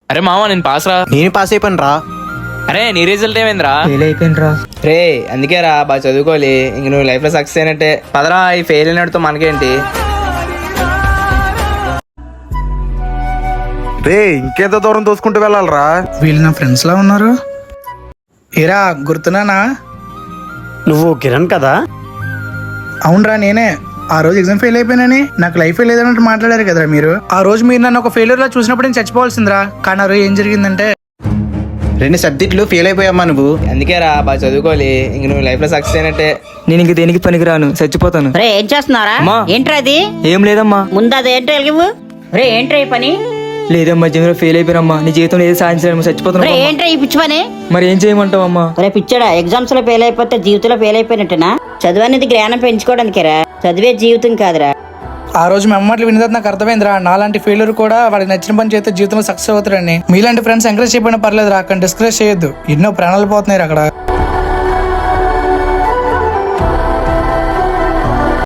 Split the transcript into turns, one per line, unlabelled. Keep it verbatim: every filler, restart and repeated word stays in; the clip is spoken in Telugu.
అరే మామ నేను పాస్ రా.
నేను పాస్ అయిపోయాను రా.
అరే నీ రిజల్ట్ ఏమైందిరా?
ఫెయిల్ అయిపోయినరా.
రే అందుకే రా బాగా చదువుకోవాలి, ఇంక నువ్వు లైఫ్ లో సక్సెస్ అయినట్టే. పదరా, ఈ ఫెయిల్ అయినట్టుతో మనకేంటి.
రే ఇంకెంత దూరం తోసుకుంటూ వెళ్ళాలరా?
వీళ్ళు నా ఫ్రెండ్స్ లా ఉన్నారు. ఏరా గుర్తున్నానా?
నువ్వు కిరణ్ కదా?
అవునరా నేనే. ఆ రోజు ఎగ్జామ్ ఫెయిల్ అయిపోయినని నాకు లైఫ్ లేదన్నట్టు మాట్లాడారు కదరా మీరు. ఆ రోజు మీరు నన్ను ఒక ఫెయిల్యూర్ లా చూసినప్పుడు నేను చచ్చిపోవాల్సిందిరా. కానీ ఆ రోజు ఏం జరిగిందంటే
రెండు సబ్జెక్టులు ఫెయిల్ అయిపోయామ్మా నువ్వు.
అందుకే రా బాగా చదువుకోవాలి, ఇంక నువ్వు లైఫ్ లో సక్సెస్ అయినట్టే.
నేను ఇంక దేనికి పనికిరాను, చచ్చిపోతాను.
రే ఏం చేస్తున్నారా?
అమ్మా.
ఏంట్రా అది?
ఏం లేదమ్మా.
ముందు అది ఏంట్రా ఇవ్వు. రే ఏంట్రా ఈ పని?
లేదమ్మా, జీవితంలో ఫెయిల్ అయిపోయినమ్మా. నీ జీవితంలో ఏది సాధించలేము, చచ్చిపోతాను.
రే ఏంట్రా ఈ పిచ్చి పని?
మరి ఏం చేయమంటావమ్మా?
రే పిచ్చాడా, ఎగ్జామ్స్ లో ఫెయిల్ అయిపోతే జీవితంలో ఫెయిల్ అయిపోయినట్టేనా? చదువు అనేది జ్ఞానం పెంచుకోవడానికేరా, చదివే జీవితం కాదురా.
ఆ రోజు మీ అమ్మట్లు విని తర్వాత నాకు అర్థమైందిరా, నాలాంటి ఫెయిల్యూర్ కూడా వాడికి నచ్చిన పని చేస్తే జీవితంలో సక్సెస్ అవుతారని. మీలాంటి ఫ్రెండ్స్ ఎంకరేజ్ చేయకపోయినా పర్లేదు రా, అక్కడ డిస్కరేజ్ చేయొద్దు. ఎన్నో ప్రాణాలు పోతున్నాయి అక్కడ.